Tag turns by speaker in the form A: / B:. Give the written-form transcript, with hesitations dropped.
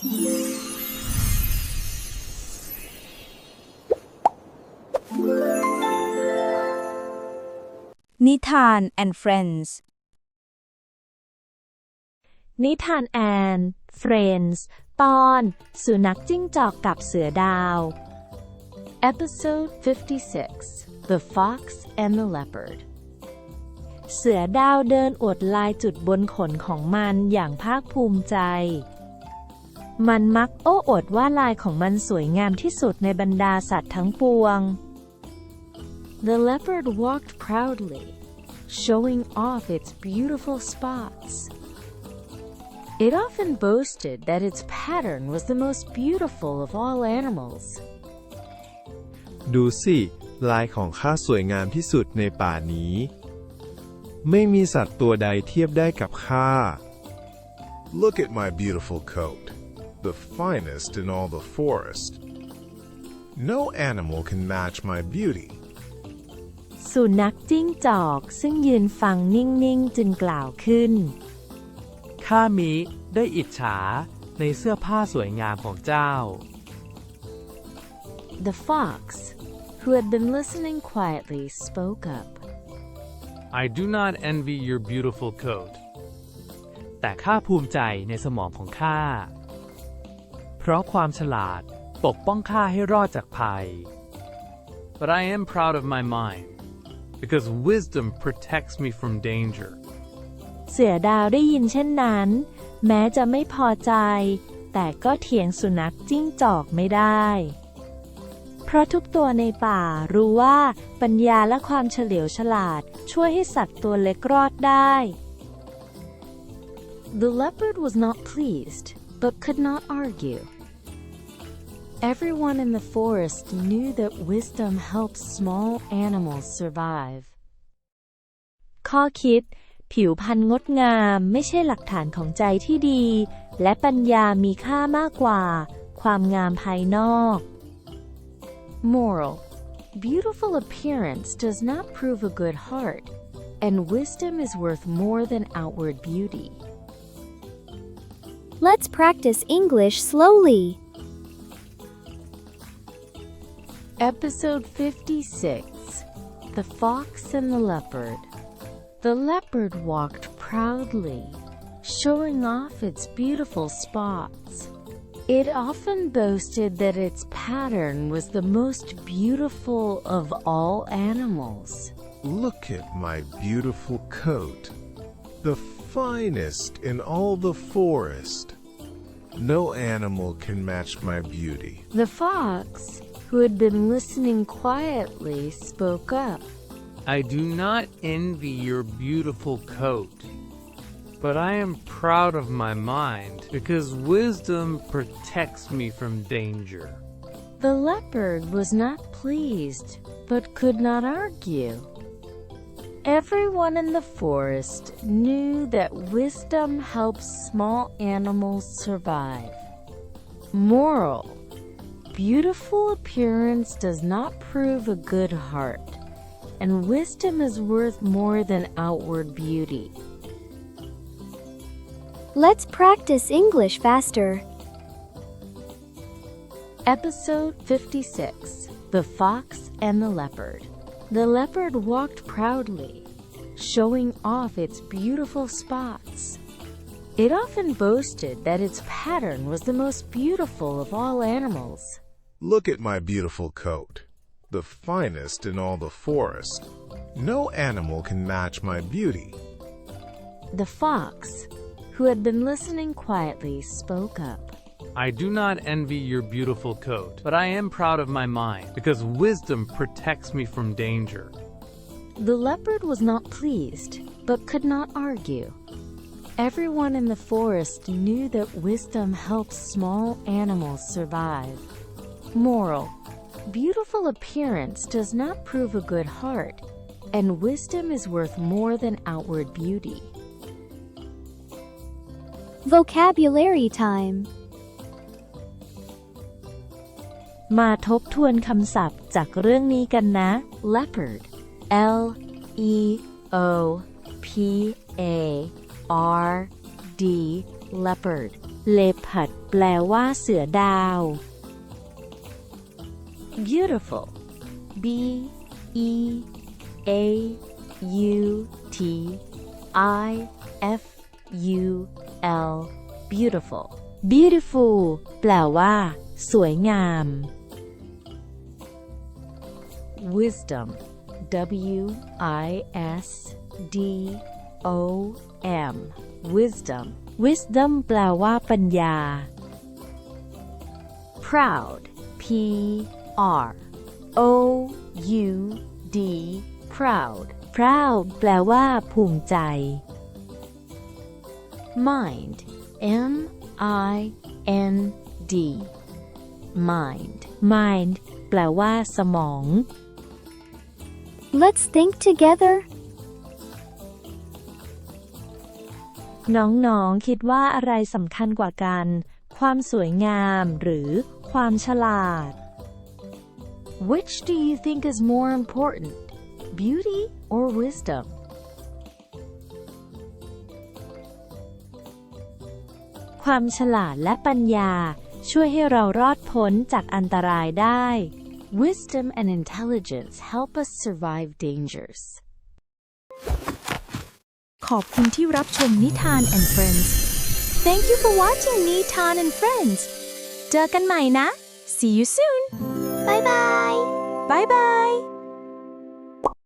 A: นิทาน and Friends
B: นิทานแอน Friends ตอนสุนัขจิ้งจอกกับเสือดาว Episode 56 The Fox and the Leopard เสือดาวเดินอวดลายจุดบนขนของมันอย่างภาคภูมิใจมันมักโอ้อวดว่าลายของมันสวยงามที่สุดในบรรดาสัตว์ทั้งปวง The leopard walked proudly, showing off its beautiful spots. It often boasted that its pattern was the most beautiful of all animals.
C: ดูสิลายของข้าสวยงามที่สุดในป่านี้ไม่มีสัตว์ตัวใดเทียบได้กับข้า
D: Look at my beautiful coat, the finest in all the forest. No animal can match my beauty.
B: สุนัขจิ้งจอกซึ่งยืนฟังนิ่งๆจึงกล่าวขึ้น
E: ข้ามิได้อิจฉาในเสื้อผ้าสวยงามของเจ้า
B: The fox, who had been listening quietly, spoke up.
E: I do not envy your beautiful coat แต่ข้าภูมิใจในสมองของข้าเพราะความฉลาดปกป้องข้าให้รอดจากภัย But I am proud of my mind because wisdom protects me from danger
B: เสือดาวได้ยินเช่นนั้นแม้จะไม่พอใจแต่ก็เถียงสุนัขจิ้งจอกไม่ได้เพราะทุกตัวในป่ารู้ว่าปัญญาและความเฉลียวฉลาดช่วยให้สัตว์ตัวเล็กรอดได้ The leopard was not pleased but could not argue. Everyone in the forest knew that wisdom helps small animals survive. ข้อคิดผิวพรรณงดงามไม่ใช่หลักฐานของใจที่ดีและปัญญามีค่ามากกว่าความงามภายนอก Moral: Beautiful appearance does not prove a good heart, and wisdom is worth more than outward beauty.
F: Let's practice English slowly.
B: Episode 56 The Fox and the Leopard. The leopard walked proudly, showing off its beautiful spots. It often boasted that its pattern was the most beautiful of all animals.
D: Look at my beautiful coat, the finest in all the forest. No animal can match my beauty.
B: The fox, who had been listening quietly, spoke up.
E: I do not envy your beautiful coat, but I am proud of my mind because wisdom protects me from danger.
B: The leopard was not pleased, but could not argue. Everyone in the forest knew that wisdom helps small animals survive. Moral: Beautiful appearance does not prove a good heart, and wisdom is worth more than outward beauty.
F: Let's practice English faster.
B: Episode 56 The Fox and the Leopard. The leopard walked proudly, showing off its beautiful spots. It often boasted that its pattern was the most beautiful of all animals.
D: Look at my beautiful coat, the finest in all the forest. No animal can match my beauty.
B: The fox, who had been listening quietly, spoke up.
E: I do not envy your beautiful coat, but I am proud of my mind because wisdom protects me from danger.
B: The leopard was not pleased, but could not argue. Everyone in the forest knew that wisdom helps small animals survive. Moral: Beautiful appearance does not prove a good heart, and wisdom is worth more than outward beauty.
F: Vocabulary time.
B: มาทบทวนคำศัพท์จากเรื่องนี้กันนะ Leopard L E O P A R D Leopard leopard แปลว่าเสือดาว beautiful b e a u t i f u l beautiful beautiful แปลว่า สวยงาม wisdom w i s d o m wisdom wisdom แปลว่าปัญญา proud p r o u d proud proud แปลว่าภูมิใจ mind m i n d mind mind แปลว่าสมอง
F: Let's think together.
B: น้องๆ คิดว่าอะไรสำคัญกว่ากัน ความสวยงามหรือความฉลาด Which do you think is more important, beauty or wisdom? ความฉลาดและปัญญาช่วยให้เรารอดพ้นจากอันตรายได้ Wisdom and intelligence help us survive dangers.
A: ขอบคุณที่รับชมนิทาน and Friends Thank you for watching นิทาน and Friends เจอกันใหม่นะ See you soon
F: Bye bye.
A: Bye bye